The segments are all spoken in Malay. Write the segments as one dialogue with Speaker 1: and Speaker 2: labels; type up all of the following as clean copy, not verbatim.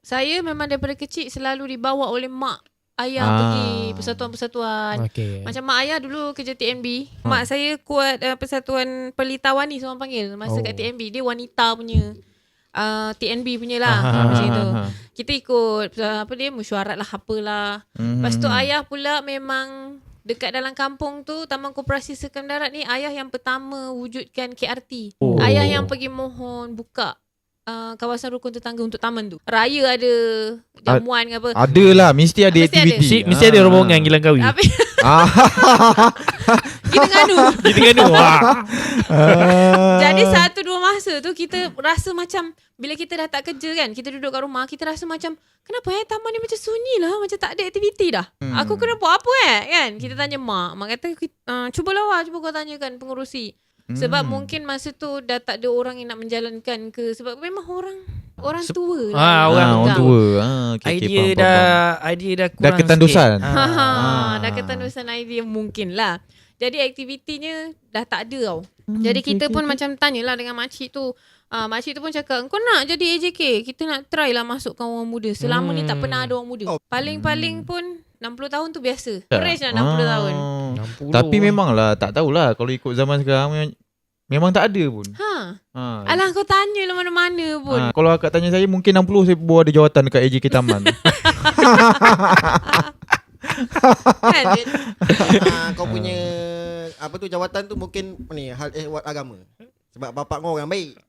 Speaker 1: Saya memang daripada kecil selalu dibawa oleh mak ayah pergi persatuan-persatuan. Macam mak ayah dulu kerja TNB. Mak saya kuat persatuan Pelitawani seorang panggil. Masa kat TNB dia wanita punya TNB punya lah. Macam tu. Kita ikut mesyuarat lah apalah. Lepas tu ayah pula memang dekat dalam kampung tu Taman Koperasi Serkam Darat ni ayah yang pertama wujudkan KRT. Ayah yang pergi mohon buka kawasan rukun tetangga untuk taman tu. Raya ada jamuan ke apa.
Speaker 2: Adalah, mesti ada aktiviti.
Speaker 3: Mesti ada rombongan Gilang Kawi.
Speaker 1: Kita nganu.
Speaker 3: Wah.
Speaker 1: Jadi satu dua masa tu kita rasa macam bila kita dah tak kerja kan, kita duduk kat rumah, kita rasa macam kenapa taman ni macam sunyi lah, macam tak ada aktiviti dah. Aku kena buat apa kan? Kita tanya mak. Mak kata cuba kau tanyakan pengurusi. Sebab mungkin masa tu dah tak ada orang yang nak menjalankan ke, sebab memang orang tua lah.
Speaker 2: Orang tua.
Speaker 3: Idea dah kurang
Speaker 2: dah ketandusan.
Speaker 1: Dah ketandusan idea mungkin lah. Jadi aktivitinya dah tak ada tau. Jadi kita pun macam tanyalah dengan makcik tu. Makcik tu pun cakap, kau nak jadi AJK? Kita nak try lah masukkan orang muda. Selama ni tak pernah ada orang muda. Paling-paling pun 60 tahun tu biasa. Range lah 60 tahun.
Speaker 3: 60.
Speaker 2: Tapi memanglah tak tahulah kalau ikut zaman sekarang memang tak ada pun.
Speaker 1: Alah kau tanya lah mana-mana pun.
Speaker 2: Kalau akak tanya saya mungkin 60 saya bawa ada jawatan dekat AJK Taman.
Speaker 1: Kan?
Speaker 4: Kau punya jawatan tu mungkin ni hal ehwal agama. Sebab bapak kau orang baik.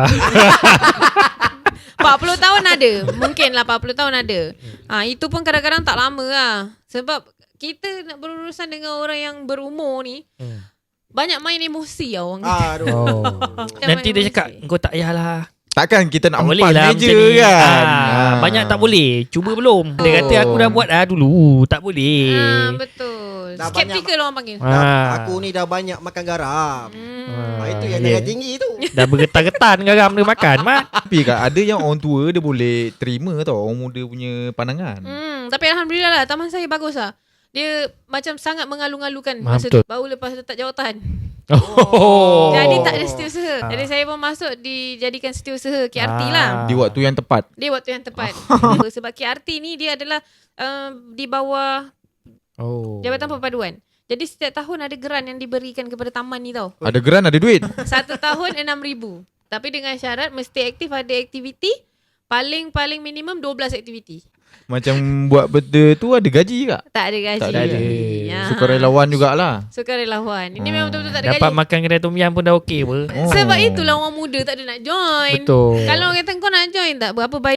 Speaker 1: 40 tahun ada. Mungkin lah 40 tahun ada. Itu pun kadang-kadang tak lama lah. Sebab kita nak berurusan dengan orang yang berumur ni, banyak main emosi lah orang kita.
Speaker 3: Nanti dia cakap, kau tak payahlah.
Speaker 2: Takkan kita nak
Speaker 3: boleh
Speaker 2: empat
Speaker 3: lah
Speaker 2: meja
Speaker 3: macam ni.
Speaker 2: kan.
Speaker 3: Banyak tak boleh. Cuba belum. Dia kata aku dah buat dulu. Tak boleh.
Speaker 1: Betul.
Speaker 4: Dah
Speaker 1: Skeptical orang panggil.
Speaker 4: Aku ni dah banyak makan garam. Itu yang darah tinggi tu.
Speaker 3: Dah bergetar-getar garam dia makan, Mat.
Speaker 2: Tapi kan ada yang orang tua dia boleh terima tau orang muda punya pandangan.
Speaker 1: Tapi Alhamdulillah lah, taman saya bagus lah. Dia macam sangat mengalu-ngalukan masa
Speaker 3: Betul.
Speaker 1: tu. Baru lepas letak jawatan.
Speaker 3: Jadi
Speaker 1: tak ada setiausaha. Jadi saya pun masuk dijadikan setiausaha KRT lah.
Speaker 2: Di waktu yang tepat.
Speaker 1: Dia waktu yang tepat. Sebab KRT ni dia adalah di bawah Jabatan Perpaduan. Jadi setiap tahun ada geran yang diberikan kepada taman ni tau.
Speaker 2: Ada geran, ada duit.
Speaker 1: Satu tahun 6,000. Tapi dengan syarat mesti aktif ada aktiviti. Paling minimum 12 aktiviti.
Speaker 2: Macam buat benda tu ada gaji tak?
Speaker 1: Tak ada gaji.
Speaker 2: Tak ada. Sukarelawan jugalah.
Speaker 1: Sukarelawan. Ini memang betul-betul tak ada
Speaker 3: dapat
Speaker 1: gaji.
Speaker 3: makan kedai tom yam pun dah okey apa.
Speaker 1: Sebab itulah orang muda tak ada nak join.
Speaker 3: Betul.
Speaker 1: Kalau orang kata kau nak join tak, berapa bayar